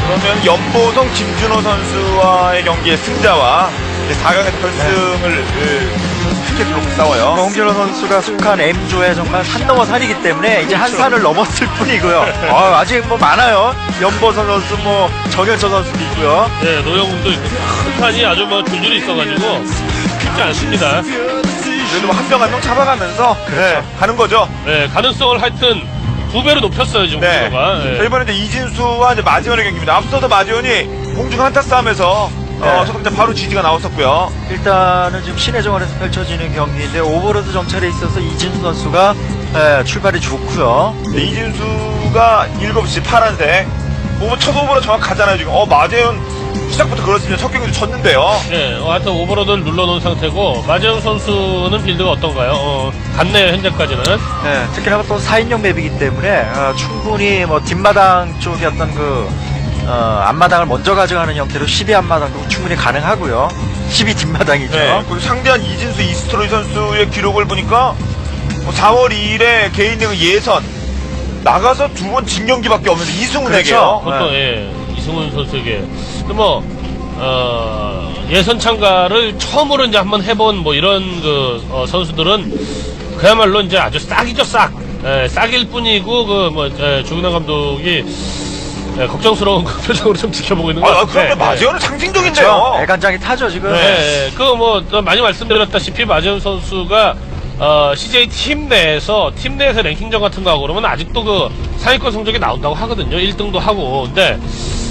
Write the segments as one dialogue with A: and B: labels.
A: 그러면 연보성 김준호 선수와의 경기의 승자와 4강에서 결승을 티켓으로 싸워요.
B: 홍진호 선수가 속한 M조에 정말 산 넘어 산이기 때문에 이제 한 산을 넘었을 뿐이고요. 아직 뭐 많아요. 연보선 선수, 뭐 정현철 선수도 있고요.
C: 네, 노영훈도 있고 큰 산이 아주 뭐 줄줄이 있어가지고 쉽지 않습니다.
A: 그래도 한 명 한 명 잡아가면서 가는 거죠.
C: 네, 가능성을 하여튼 2배로 높였어요 지금
A: 네.
C: 홍진호가. 네.
A: 자, 이번에 이제 이진수와 이제 마지원의 경기입니다. 앞서서 마지원이 공중 한타 싸움에서 초등자 바로 지지가 나왔었고요.
B: 일단은 지금 신혜정원에서 펼쳐지는 경기인데 오버로드 정찰에 있어서 이진수 선수가 출발이 좋고요.
A: 네, 이진수가 7시 파란색. 첫 오버로 정확하잖아요 지금. 마재현 시작부터 그렇습니다. 첫 경기도 졌는데요.
C: 네, 하여튼 오버로드를 눌러놓은 상태고 마재훈 선수는 빌드가 어떤가요? 같네요 현재까지는.
B: 네, 특히나 또 4인용 맵이기 때문에 충분히 뭐 뒷마당 쪽에 어떤 앞마당을 먼저 가져가는 형태로 12 앞마당도 충분히 가능하고요. 12 뒷마당이죠.
A: 네, 그리고 상대한 이진수 이스트로이 선수의 기록을 보니까 4월 2일에 개인 리그 예선 나가서 2번 진 경기밖에 없는데 이승훈에게요.
C: 그것도 이승훈 선수에게. 근데 뭐 예선 참가를 처음으로 이제 한번 해본 뭐 이런 선수들은 그야말로 이제 아주 싹이죠 싹. 싹일 뿐이고 조근환 감독이 걱정스러운 그 표정으로 좀 지켜보고 있는 것 같아요.
A: 그런데 마재현은 상징적인데요.
B: 애간장이 타죠 지금.
C: 많이 말씀드렸다시피 마재훈 선수가 CJ 팀 내에서 랭킹전 같은 거 하고 그러면 아직도 상위권 성적이 나온다고 하거든요. 1등도 하고. 근데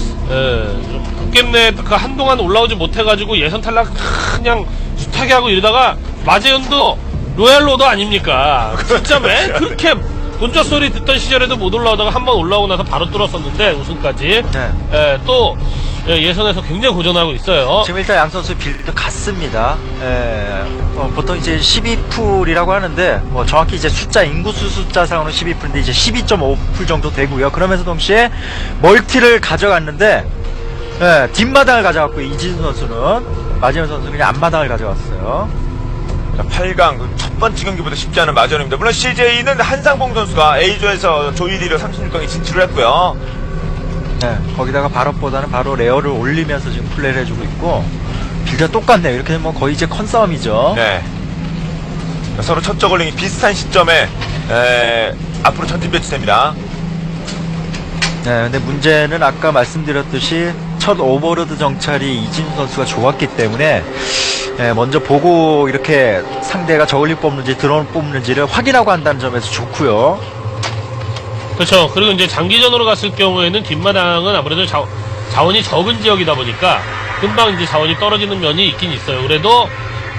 C: 겜내 한동안 올라오지 못해가지고 예선 탈락 그냥 숱하게 하고 이러다가 마재현도 로얄로더 아닙니까? 진짜 왜 그렇게 본저 소리 듣던 시절에도 못 올라오다가 한번 올라오고 나서 바로 뚫었었는데 우승까지.
B: 네.
C: 또 예선에서 굉장히 고전하고 있어요.
B: 지금 일단 양 선수 빌드 같습니다. 보통 이제 12풀이라고 하는데 뭐 정확히 이제 인구수 숫자상으로 12풀인데 이제 12.5풀 정도 되고요. 그러면서 동시에 멀티를 가져갔는데 뒷마당을 가져갔고 이진수 선수는 마지막 선수는 그냥 앞마당을 가져갔어요.
A: 자, 8강 첫 번째 경기보다 쉽지 않은 마재현입니다. 물론 CJ는 한상봉 선수가 A조에서 조이리로 36강에 진출을 했고요.
B: 네, 거기다가 발업보다는 바로 레어를 올리면서 지금 플레이를 해주고 있고 빌드가 똑같네요. 이렇게 되면 거의 이제 컨싸움이죠.
A: 네. 서로 첫 저글링이 비슷한 시점에 앞으로 전진 배치됩니다.
B: 네, 근데 문제는 아까 말씀드렸듯이 첫 오버로드 정찰이 이진수 선수가 좋았기 때문에 먼저 보고 이렇게 상대가 저글링 뽑는지 드론 뽑는지를 확인하고 한다는 점에서 좋고요.
C: 그렇죠. 그리고 이제 장기전으로 갔을 경우에는 뒷마당은 아무래도 자원이 적은 지역이다 보니까 금방 이제 자원이 떨어지는 면이 있긴 있어요. 그래도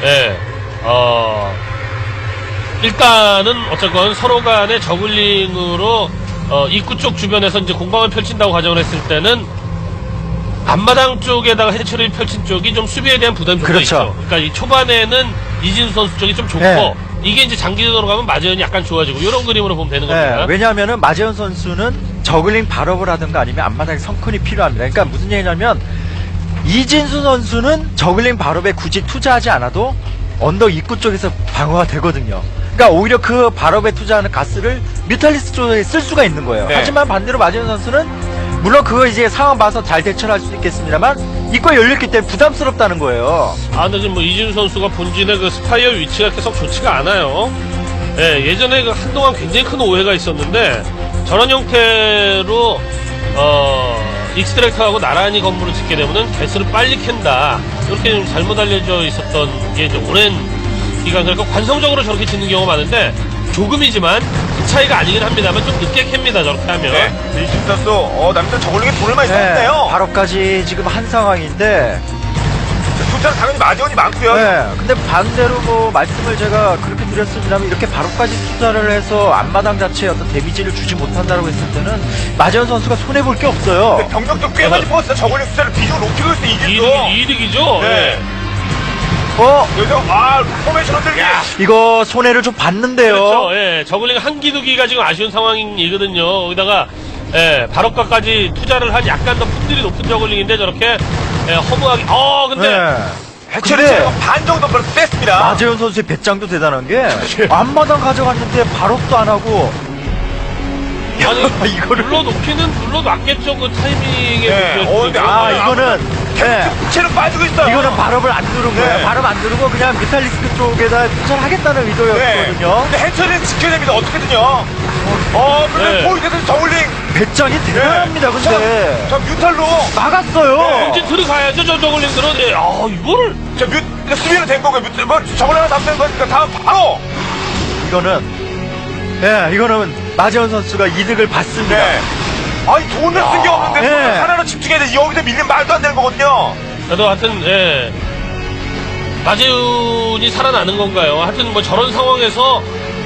C: 일단은 어쨌건 서로 간의 저글링으로 입구 쪽 주변에서 이제 공방을 펼친다고 가정을 했을 때는 앞마당 쪽에다가 해처리를 펼친 쪽이 좀 수비에 대한 부담이 좀
B: 그렇죠.
C: 있죠. 그러니까 이 초반에는 이진수 선수 쪽이 좀 좋고
B: 네.
C: 이게 이제 장기전으로 가면 마재현이 약간 좋아지고 이런 그림으로 보면 되는 겁니다.
B: 왜냐하면은 마재현 선수는 저글링 발업을 하든가 아니면 앞마당에 성큰이 필요합니다. 그러니까 무슨 얘기냐면 이진수 선수는 저글링 발업에 굳이 투자하지 않아도 언덕 입구 쪽에서 방어가 되거든요. 그러니까 오히려 그 발업에 투자하는 가스를 뮤탈리스트 쪽에 쓸 수가 있는 거예요.
A: 네.
B: 하지만 반대로 마재현 선수는 물론 그거 이제 상황 봐서 잘 대처를 할 수 있겠습니다만 입구가 열렸기 때문에 부담스럽다는 거예요.
C: 근데 지금 뭐 이진수 선수가 본진의 그 스파이어 위치가 계속 좋지가 않아요. 예전에 한동안 굉장히 큰 오해가 있었는데 저런 형태로 익스트랙터하고 나란히 건물을 짓게 되면은 개수를 빨리 캔다. 이렇게 좀 잘못 알려져 있었던 게 이제 오랜 기간 그러니까 관성적으로 저렇게 짓는 경우가 많은데 조금이지만 그 차이가 아니긴 합니다만 좀 늦게 캡니다 저렇게 하면.
A: 네. 이진수 선수 남들 저글링에 돈을 많이 썼네요.
B: 발업까지 지금 한 상황인데
A: 숫자는 당연히 마재현이 많고요.
B: 근데 반대로 뭐 말씀을 제가 그렇게 드렸습니다만 이렇게 바로까지 투자를 해서 앞마당 자체에 어떤 데미지를 주지 못한다고 했을 때는 마재현 선수가 손해볼 게 없어요.
A: 병력도 꽤 많이 뽑았어요. 저글링 숫자를 비중을 높이고 있어요. 이진수.
C: 이득이죠.
A: 네. 여기서 포메이션 흔들기.
B: 이거 손해를 좀 봤는데요.
C: 그렇죠. 저글링 한 기두기가 지금 아쉬운 상황이거든요. 거기다가 발업가까지 투자를 한 약간 더 품질이 높은 저글링인데 저렇게 허무하게. 근데
A: 해처리 반 정도 벌써 뺐습니다.
B: 마재현 선수의 배짱도 대단한 게 앞마당 가져갔는데 발업도 안 하고
C: 아니
B: 이거를
C: 눌러놓겠죠 그 타이밍에
A: 네.
C: 문제였죠.
A: 근데
B: 이거는 네.
A: 체력 빠지고 있어요.
B: 이거는 발업을 안 누른 거예요.
A: 네.
B: 발업 안 누르고 그냥 뮤탈리스크 쪽에다 투자하겠다는
A: 네.
B: 의도였거든요.
A: 근데 해처리는 지켜야 됩니다. 어떻게든요. 근데
C: 네.
A: 보이게든 저울링.
B: 배짱이 대단합니다. 근데
A: 저 뮤탈로.
B: 막았어요.
C: 이제 들어가야죠 저 저글링들은. 예. 이거를
A: 수비는 된 거고요. 저걸 하나 잡는 거니까 다음 바로.
B: 이거는 마재원 선수가 이득을 받습니다.
A: 네. 아니 돈을 쓴 게 없는데
B: 네.
A: 하나로 집중해야 돼. 여기서 밀리면 말도 안 되는 거거든요.
C: 그래도 하여튼 마재훈이 살아나는 건가요? 하여튼 뭐 저런 상황에서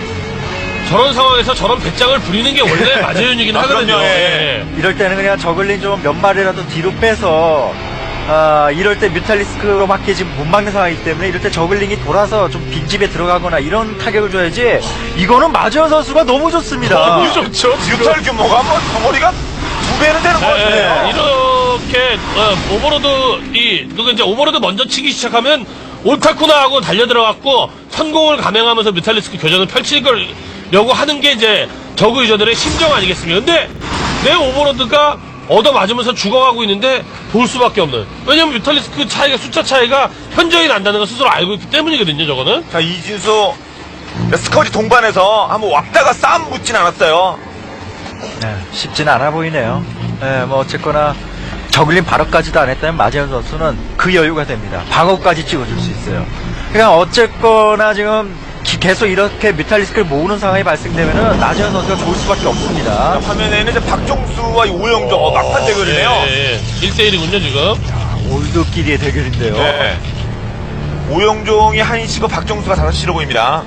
C: 저런 배짱을 부리는 게 원래 마재훈이긴 하거든요.
A: 그럼요,
C: 예.
B: 이럴 때는 그냥 저글링 좀 몇 마리라도 뒤로 빼서 이럴 때 뮤탈리스크로밖에 지금 못 막는 상황이기 때문에 이럴 때 저글링이 돌아서 좀 빈집에 들어가거나 이런 타격을 줘야지. 이거는 마재원 선수가 너무 좋습니다.
C: 너무 좋죠.
A: 뮤탈 규모가 뭐 덩어리가 2배는 되는 것 같아요.
C: 이렇게 누가 이제 오버로드 먼저 치기 시작하면 옳다구나 하고 달려 들어갔고 성공을 감행하면서 뮤탈리스크 교전을 펼치려고 하는 게 이제 저그 유저들의 심정 아니겠습니까? 근데 내 오버로드가 얻어맞으면서 죽어가고 있는데 볼 수밖에 없는. 왜냐면 뮤탈리스크 차이가 숫자 차이가 현저히 난다는 걸 스스로 알고 있기 때문이거든요. 저거는.
A: 자, 이진수 스커지 동반해서 한번 왔다가 싸움 붙진 않았어요.
B: 네, 쉽지는 않아 보이네요. 뭐 어쨌거나 저글링 발업까지도 안 했다면 마재현 선수는 그 여유가 됩니다. 방어까지 찍어줄 수 있어요. 그러니까 어쨌거나 지금 계속 이렇게 뮤탈리스크를 모으는 상황이 발생되면은 마재현 선수가 좋을 수밖에 없습니다.
A: 화면에는 이제 박종수와 오영종 막판 대결이네요.
C: 예. 1대1이군요 지금.
B: 올드끼리의 대결인데요.
A: 네. 오영종이 1시고 박종수가 5시로 보입니다.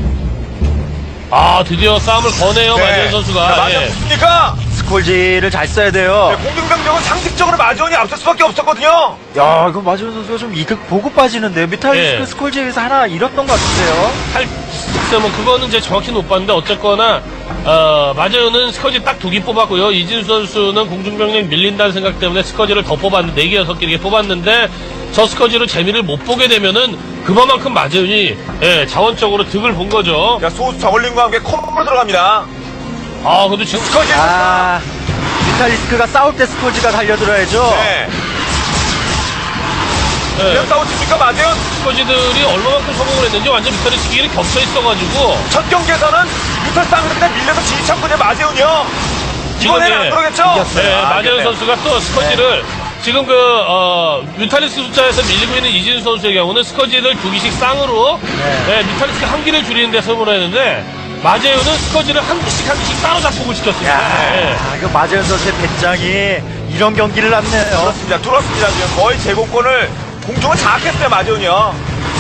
C: 드디어 싸움을 거네요 마재현 선수가.
A: 마지막 붙습니까?
B: 스콜지를 잘 써야 돼요.
A: 공중병력은 상식적으로 마지원이 앞설 수밖에 없었거든요.
B: 야, 이거 마재현 선수가 좀 이득 보고 빠지는데요. 뮤탈리스크
C: 예.
B: 스콜지에서 하나 잃었던 것 같은데요.
C: 뭐 그거는 이제 정확히 못 봤는데 어쨌거나 마재현은 스커지 딱 2개 뽑았고요. 이진수 선수는 공중병력 밀린다는 생각 때문에 스커지를 더 뽑았는데 4개 6개 이렇게 뽑았는데 저 스커지로 재미를 못 보게 되면은 그만큼 마재현이 자원적으로 득을 본 거죠.
A: 자, 소수 저글링과 함께 콤보로 들어갑니다.
C: 그래도 지금
A: 스커지.
B: 뮤탈리스크가 싸울 때 스콜지가 달려들어야죠.
A: 네. 그냥 싸우십니까, 마재현?
C: 스커지들이 얼마만큼 성공을 했는지 완전 뮤탈리 시기를 겹쳐 있어가지고
A: 첫 경기에서는 뮤탈 싸움에서 그냥 밀려서 진입한 마재훈이요. 이번에는 안 그러겠죠?
C: 마재현 선수가 또 스커지를 지금 뮤탈리스크 숫자에서 밀리고 있는 이진수 선수의 경우는 스커지를 2기씩 쌍으로 뮤탈리스크 1기를 줄이는 데 성공을 했는데 마재현은 스커지를 한 기씩 따로 작곡을 시켰습니다.
B: 이거 마재현 선수의 배짱이 이런 경기를 났네요.
A: 그렇습니다. 뚫었습니다. 지금 거의 제공권을 공중을 장악했어요, 마재훈이요.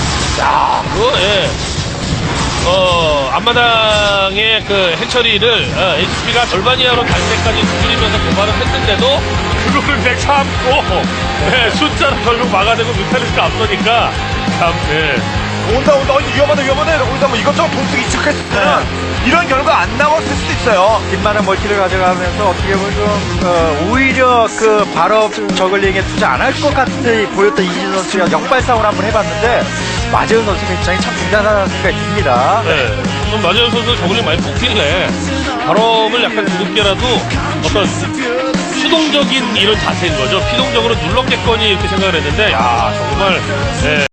C: 앞마당의 그 해처리를 HP가 절반 이하로 갈 때까지 두드리면서 도발을 했는데도 그거를 내 참고 숫자를 결국 막아내고 뮤탈리스크 앞서니까 참
A: 온다. 위험하다. 거기서 뭐 이것저것 돈쓰기 익숙했으면 이런 결과 안 나왔을 수도 있어요.
B: 빈만한 멀티를 가져가면서 어떻게 보면 좀 오히려 그 발업 저글링에 투자 안 할 것 같이 보였던 이진 선수가 역발상을 한번 해봤는데 마재현 선수 배짱이 참 대단한 생각이 듭니다.
C: 그럼 마재현 선수 저글링 많이 뽑히네. 발업을 약간 두껍게라도 어떤 수동적인 이런 자세인 거죠. 피동적으로 눌렀겠거니 이렇게 생각을 했는데 정말